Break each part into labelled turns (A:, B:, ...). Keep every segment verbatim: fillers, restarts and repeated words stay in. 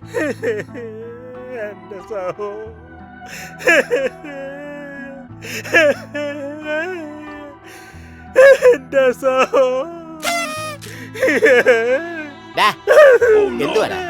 A: എന്റെ സഹോ എന്റെ സഹോ
B: എന്തുവാ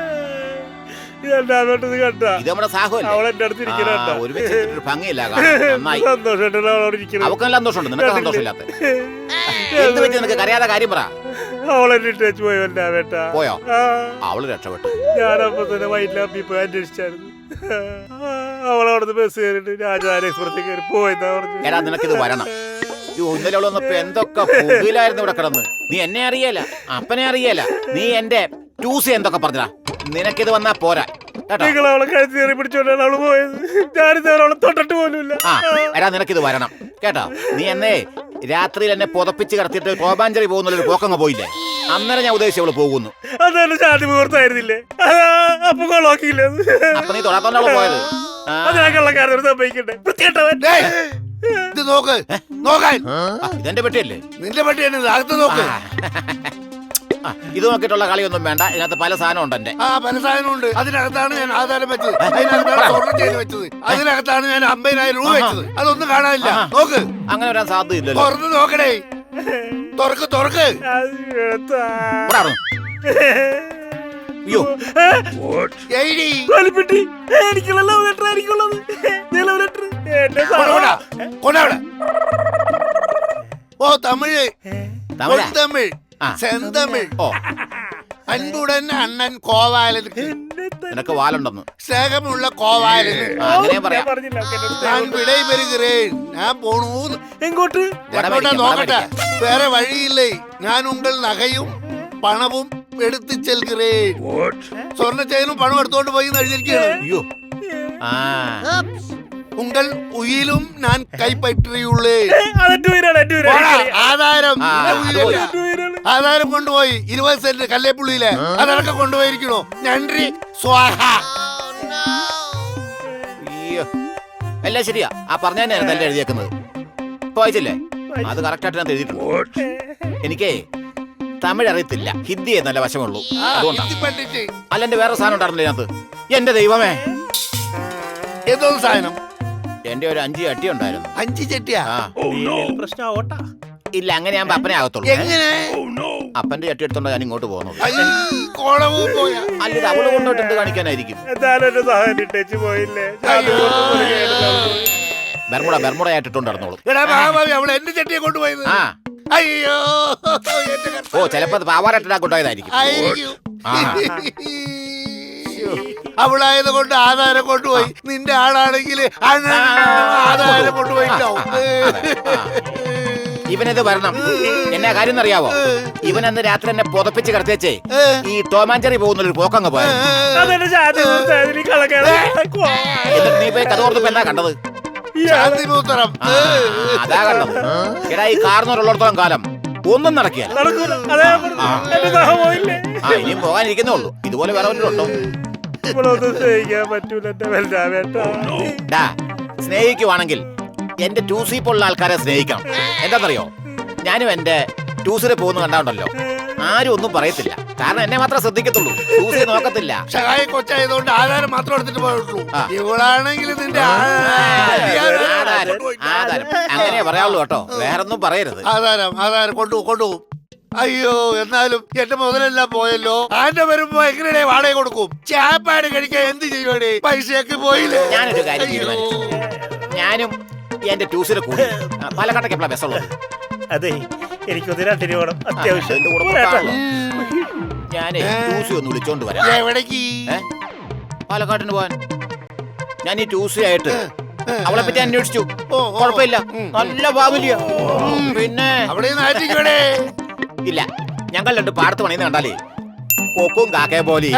A: കണ്ട
B: ഇത് നമ്മുടെ സാഹുവല്ലേ?
A: അവൾ എന്റെ അടുത്ത് ഇരിക്കണ
B: ഒരുമിച്ച് ഇരുന്നിട്ട് ഭംഗിയില്ല നന്നായി.
A: സന്തോഷം അവളോടിരിക്കണം.
B: അവക്കെല്ലാം സന്തോഷമുണ്ട്, നിനക്ക് സന്തോഷമില്ലാത്ത എന്ത് പറ്റി? നിനക്ക് കരയാതെ കാര്യം പറ.
A: അവളെന്നെ ടച്ച് പോയോ വേട്ടാ?
B: പോയോ? അവള് രക്ഷപ്പെട്ടു.
A: ഞാനപ്പോ തന്നെ വൈറ്റിലാപ്പി പോയി അന്വേഷിച്ചായിരുന്നു. അവളവിടുന്ന് ബസ് കയറിട്ട് രാജധാനി എക്സ്പ്രസ് കയറി പോയെന്നാ പറഞ്ഞു.
B: എടാ നിനക്കിത് വരണം. ഇന്നലെ അവളൊന്നപ്പോ എന്തൊക്കെ പുകയിലായിരുന്നു ഇവിടെ കിടന്ന്. നീ എന്നെ അറിയല, അപ്പനെ അറിയല, നീ എന്റെ ടൂസി എന്തൊക്കെ പറഞ്ഞാ. നിനക്കിത് വന്നാ പോരാ.
A: നിങ്ങൾ അവളെ കഴുത്തി കയറി പിടിച്ചോണ്ടാണ് അവള് പോയത്. ഞാനിതുവരെ അവളെ തൊട്ടിട്ട് പോലുമില്ല.
B: ആ എടാ നിനക്കിത് വരണം കേട്ടോ. നീ എന്നെ രാത്രിയിൽ എന്നെ പുതപ്പിച്ച് കിടത്തിയിട്ട് കോപാഞ്ചറി പോകുന്നൊരു പോക്കങ്ങ് പോയില്ലേ? അന്നേരം ഞാൻ ഉദ്ദേശിച്ചു അവള് പോകുന്നു.
A: അതെന്നെ ശാന്തി മുഹൂർത്തായിരുന്നില്ലേ? അപ്പൊ കൊളാക്കിയില്ലേ?
B: അപ്പൊ നീ തൊടാത്തോണ്ടാണ് പോയത്.
A: അതിനാ കള്ളക്കാരൻ സംഭവിക്കണ്ടേ? വൃത്തികെട്ടവൻ.
C: ഇത് നോക്ക്, നോക്കാൻ.
B: ഇതെന്റെ പെട്ടിയല്ലേ?
C: നിന്റെ പെട്ടി തന്നെ, അകത്ത് നോക്ക്.
B: ഇത് നോക്കിയിട്ടുള്ള കളിയൊന്നും വേണ്ട. ഇതിനകത്ത് പല സാധനം ഉണ്ട്. എന്റെ
C: ആ പല സാധനം ഉണ്ട്. അതിനകത്താണ് ഞാൻ ആധാരം വെച്ചത്, അതിനകത്താണ് സ്വർണ്ണം ചെയ്ത് വെച്ചത്, അതിനകത്താണ് ഞാൻ അമ്പതിനായിരം രൂപ വെച്ചത്. അതൊന്നും കാണാനില്ല. നോക്ക്.
B: അങ്ങനെ വരാൻ സാധ്യതയില്ലല്ലോ.
C: തുറന്ന് നോക്കണേ. തുറക്ക് തുറക്ക്.
B: അയ്യോ
C: ഓ തമിഴ്, തമിഴ്, സെന്തമിഴ്.
B: ഓ
C: അൻപുടൻ അണ്ണൻ കോവാലനുക്ക്
B: നിനക്ക് വാലുണ്ടെന്ന്.
C: സ്നേഹമുള്ള കോവാലന്
B: അങ്ങനെ പറയാം.
C: ഞാൻ വിടൈ പെരുகிறேன். ഞാൻ പോണു.
A: എങ്ങോട്ട്?
C: എങ്ങോട്ടാ നോക്കട്ടെ, വേറെ വഴിയില്ലേ. ഞാൻ ഉങ്കൾ നഗയും പണവും എടുത്ത് ചെൽகிறேன். സ്വർണ്ണ ചെയിനും പണം എടുത്തോണ്ട് പോയി എഴുതിയിരിക്കുകയാണ്.
B: അയ്യോ
C: ഉങ്കൾ ഉയിലും ഞാൻ കൈപ്പറ്റിയുള്ളേ. ആധാരം ആധാരം കൊണ്ടുപോയി ഇരുപത് സെന്റ് കല്ലേപ്പുള്ളിയിലെ അതൊക്കെ കൊണ്ടുപോയിരിക്കണോ? നന്ദി സ്വാഹ.
B: അയ്യോ എല്ലാം ശരിയാ. ആ പറഞ്ഞ തന്നെ എഴുതിയേക്കുന്നത്. ഇപ്പൊ വായിച്ചില്ലേ? അത് കറക്റ്റ് ആയിട്ട് ഞാൻ എഴുതിയിട്ടുണ്ട്. എനിക്കേ തമിഴ് അറിയത്തില്ല, ഹിന്ദി നല്ല വശമുള്ളൂ. അതുകൊണ്ടാണ്. അല്ല എന്റെ വേറെ സാധനം ഉണ്ടായിരുന്നില്ല ഇതിനകത്ത്. എന്റെ ദൈവമേ,
C: ഏതോ സാധനം.
B: എന്റെ ഒരു അഞ്ച് ചട്ടി ഉണ്ടായിരുന്നു.
C: അഞ്ച് ചട്ടിയാ?
A: പ്രശ്നം
B: ഇല്ല, അങ്ങനെ ഞാൻ അപ്പനെ ആകത്തുള്ളൂ.
C: എങ്ങനെ?
B: അപ്പന്റെ ചട്ടി എടുത്തോണ്ട് ഞാൻ ഇങ്ങോട്ട് പോകുന്നത്.
C: അല്ല
B: അവള് കൊണ്ടോട്ട് എന്ത് കാണിക്കാനായിരിക്കും? ബർമുട ബർമുട ആയിട്ടിട്ടുണ്ട് നടന്നോളൂ.
C: അവൾ എന്റെ ചട്ടിയെ കൊണ്ടുപോയത്.
B: ആ
C: അയ്യോ,
B: ഓ ചിലപ്പോ പാവാറായിട്ടാ കൊണ്ടുപോയതായിരിക്കും.
C: അവളായത് കൊണ്ട് ആധാരം കൊണ്ടുപോയി. നിന്റെ ആളാണെങ്കിൽ ആധാരം കൊണ്ടുപോയിട്ടാവും.
B: ഇവനിത് വരണം. എന്നാ കാര്യം എന്നറിയാവോ? ഇവൻ അന്ന് രാത്രി എന്നെ പുതപ്പിച്ച് കിടത്തേച്ചേ ഈ ടോമാഞ്ചറി പോകുന്നൊരു പോക്കങ്ങ് പോയത്. എന്നിട്ട് നീ പോയി കഥ ഓർത്തപ്പോ എന്താ കണ്ടത്? അതാ കണ്ടത്. എടാ ഈ കാർന്നോരുള്ളിടത്തോളം കാലം ഒന്നും നടക്കില്ല. ആ ഇനിയും പോകാനിരിക്കുന്നേ ഉള്ളൂ. ഇതുപോലെ വേറെ വല്ലതുണ്ടോ? സ്നേഹിക്കുവാണെങ്കിൽ എന്റെ ടൂസി പോലുള്ള ആൾക്കാരെ സ്നേഹിക്കണം. എന്താണെന്നറിയോ? ഞാനും എന്റെ ടൂസിനെ പോകുന്ന കണ്ടാണ്ടല്ലോ ആരും ഒന്നും പറയത്തില്ല. കാരണം എന്നെ മാത്രമേ ശ്രദ്ധിക്കത്തുള്ളൂ, ടൂസി നോക്കത്തില്ല.
C: സഹായ കൊച്ചായതുകൊണ്ട് ആധാരം മാത്രം എടുത്തിട്ട് പോയിട്ടുള്ളൂ. ഇവളാണെങ്കിൽ നിന്റെ
B: ആധാരം അങ്ങനെ പറയാവുള്ളൂ കേട്ടോ, വേറൊന്നും പറയരുത്.
C: ആധാരം ആധാരം കൊണ്ടു കൊണ്ടുപോകും. അയ്യോ, എന്നാലും എന്റെ മുതലെല്ലാം പോയല്ലോ. ആന്റെ വരുമ്പോ എങ്ങനെയാ വാടക കൊടുക്കും? ചാപ്പാട് കഴിക്കാൻ എന്ത് ചെയ്യുവാടേ? പൈസയൊക്കെ പോയില്ലേ?
B: ഞാനൊരു കാര്യം തീരുമാനിച്ചു. ഞാനും എന്റെ ടൂസിനെ കൂടി പാലക്കാട്ടേക്ക് എപ്പോഴാ ബസ്സുള്ളത്?
A: അതെ, എനിക്കൊന്ന് രണ്ടിന് വേണം അത്യാവശ്യം.
B: ഞാനേ ടൂസി ഒന്ന് വിളിച്ചോണ്ട് വരാം.
C: എവിടേക്ക്?
B: പാലക്കാട്ടിന് പോവാൻ. ഞാൻ ഈ ടൂസി ആയിട്ട് അവളെ പറ്റി അന്വേഷിച്ചു. കുഴപ്പമില്ല, നല്ല ഫാമിലിയാ. പിന്നെ
C: അവിടെ നാട്ടിക്കോടെ
B: ഇല്ല, ഞങ്ങൾ രണ്ട് പാടത്ത് പണിന്ന് കണ്ടാലേ കൊക്കും കാക്കയെ പോലെ.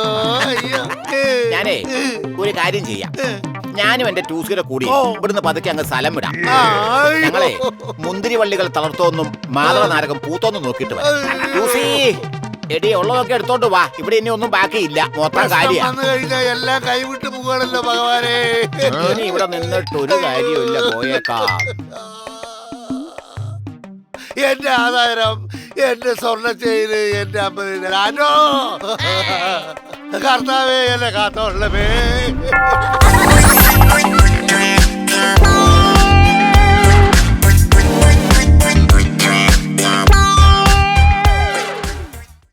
B: ഞാനേ ഒരു കാര്യം ചെയ്യാം, ഞാനും എന്റെ ടൂസിയുടെ കൂടി ഇവിടുന്ന് പതുക്കെ അങ്ങ് സ്ഥലം വിടാം. ഞങ്ങളെ മുന്തിരി വള്ളികൾ തളർത്തോന്നും മാതള നാരകം പൂത്തോന്നും നോക്കിയിട്ട് വരാം. ടൂസി എടി ഉള്ളതൊക്കെ എടുത്തോണ്ട് വാ, ഇവിടെ ഇനി ഒന്നും ബാക്കിയില്ല, മൊത്തം കാര്യം
C: എല്ലാം കൈവിട്ട് പോകണല്ലോ ഭഗവാനെ.
B: ഇനി ഇവിടെ നിന്നിട്ട് ഒരു കാര്യമില്ല, പോയേക്കാം.
C: എന്റെ ആധാരം, എന്റെ സ്വർണ്ണ ചെയിന്, എന്റെ അമ്പതിനായിരം. കർത്താവേ എന്നെ കാത്തോളമേ